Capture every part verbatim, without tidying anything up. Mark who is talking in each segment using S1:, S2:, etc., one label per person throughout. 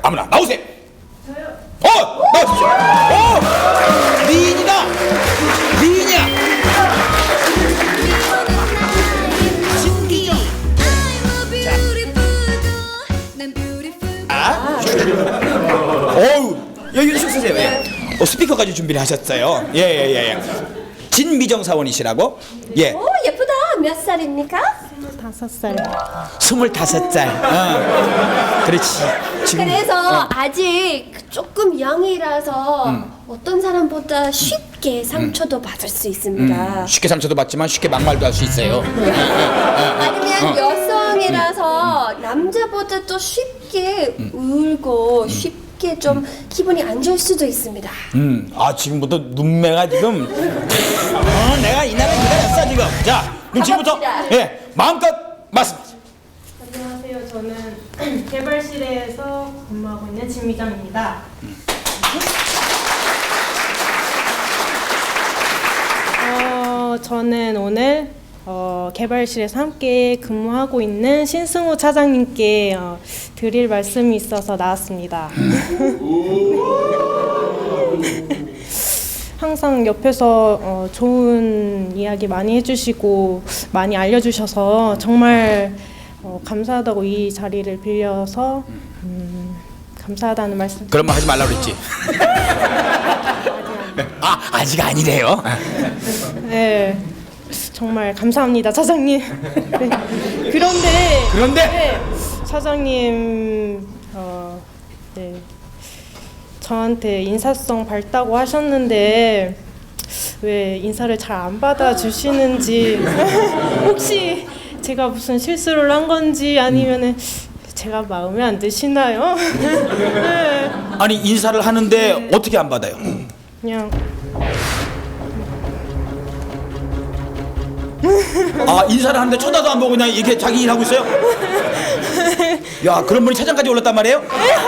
S1: 아무나 나오세요. 저요. 어, 나오십시오. 어, 미인이다. 미인이야. 진기죠. 자, 어우, 여기 좀 쓰세요. 예. 어, 스피커까지 준비를 하셨어요. 예, 예, 예, 예. 진미정 사원이시라고? 예.
S2: 오, 예쁘다. 몇 살입니까?
S3: 다섯 살.
S1: 스물다섯 살. 어. 그렇지. 지금,
S2: 그래서
S1: 어.
S2: 아직 조금 영이라서
S1: 음.
S2: 어떤 사람보다 쉽게 상처도 받을 수 있습니다.
S1: 음, 쉽게 상처도 받지만 쉽게 막말도 할 수 있어요.
S2: 아니면
S1: 어.
S2: 여성이라서 남자보다 또 쉽게 울고 쉽게 좀 기분이 안 좋을 수도 있습니다.
S1: 음, 아 지금부터 눈매가 지금 어, 내가 이 나라 기다렸어 지금. 자, 그럼 지금부터
S2: 가봅시다.
S1: 예 마음껏 말씀.
S3: 안녕하세요. 저는 개발실에서 근무하고 있는 진미정입니다. 어, 저는 오늘 어, 개발실에서 함께 근무하고 있는 신승우 차장님께 어, 드릴 말씀이 있어서 나왔습니다. 항상 옆에서 어, 좋은 이야기 많이 해주시고 많이 알려주셔서 정말 어, 감사하다고 이 자리를 빌려서 음, 감사하다는 말씀.
S1: 그런 말 하지 말라 그랬지. 아 아직 아니래요.
S3: 네, 정말 감사합니다, 차장님. 네. 그런데
S1: 그런데
S3: 네, 차장님 어, 네, 저한테 인사성 밝다고 하셨는데 왜 인사를 잘 안 받아주시는지 혹시 제가 무슨 실수를 한 건지 아니면은 제가 마음에 안 드시나요? 네,
S1: 아니 인사를 하는데 어떻게 안 받아요?
S3: 그냥
S1: 아 인사를 하는데 쳐다도 안 보고 그냥 이렇게 자기 일하고 있어요? 야 그런 분이 차장까지 올랐단 말이에요?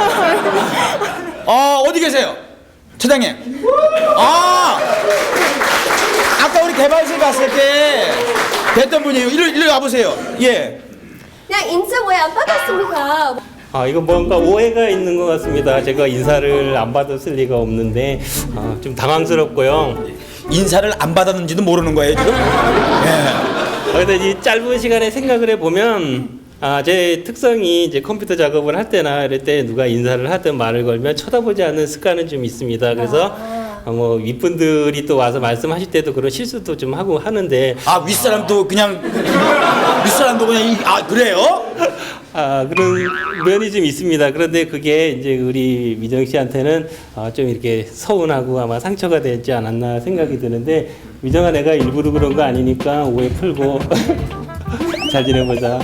S1: 아 어디 계세요? 차장님. 아 아까 우리 개발실 갔을 때 뵀던 분이에요. 일로 일로 와보세요. 예.
S2: 그냥 인사 왜 안 받았습니까?
S4: 아, 이거 뭔가 오해가 있는 것 같습니다. 제가 인사를 안 받았을 리가 없는데 아, 좀 당황스럽고요.
S1: 인사를 안 받았는지도 모르는 거예요 지금? 예.
S4: 그래서 이 짧은 시간에 생각을 해보면 아, 제 특성이 이제 컴퓨터 작업을 할 때나 이럴 때 누가 인사를 하든 말을 걸면 쳐다보지 않는 습관은 좀 있습니다. 그래서 아, 뭐 윗분들이 또 와서 말씀하실 때도 그런 실수도 좀 하고 하는데
S1: 아 윗사람도 그냥 윗사람도 그냥 이, 아 그래요?
S4: 아, 그런 면이 좀 있습니다. 그런데 그게 이제 우리 미정 씨한테는 아, 좀 이렇게 서운하고 아마 상처가 되지 않았나 생각이 드는데 미정아 내가 일부러 그런 거 아니니까 오해 풀고 잘 지내보자.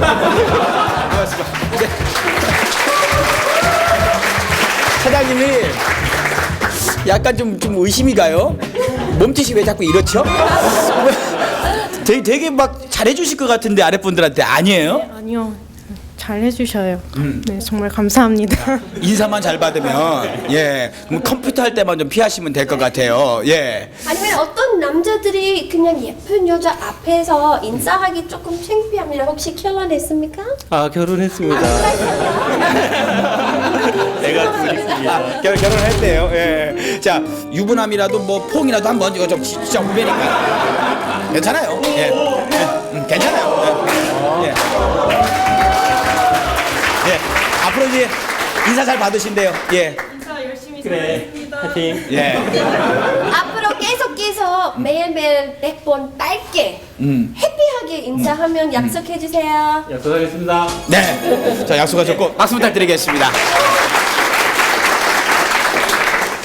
S1: 사장님이 약간 좀, 좀 의심이 가요. 몸짓이 왜 자꾸 이렇죠? 되게, 되게 막 잘해주실 것 같은데 아랫분들한테 아니에요?
S3: 아니요, 잘 해주셔요. 네, 정말 감사합니다.
S1: 인사만 잘 받으면 예 그럼 컴퓨터 할 때만 좀 피하시면 될 것 같아요. 예.
S2: 아니면 어떤 남자들이 그냥 예쁜 여자 앞에서 인사하기 조금 창피합니다. 혹시 결혼했습니까?
S4: 아, 결혼했습니다. 내가 둘 있습니다.
S1: 아, 결, 결혼했대요. 예. 자 유부남이라도 뭐 퐁이라도 한번 이거 좀 진짜 후배니까 괜찮아요. 예. 예. 음, 괜찮아요. 예. 예. 예. 앞으로 이제 인사 잘 받으신대요. 예.
S3: 인사 열심히
S4: 그래, 파이팅.
S1: 예.
S2: 앞으로 계속 계속 매일매일 백 번 짧게
S1: 음.
S2: 해피하게 인사하면 약속해 주세요.
S4: 약속하겠습니다.
S1: 네. 자 약속하셨고 박수 부탁드리겠습니다.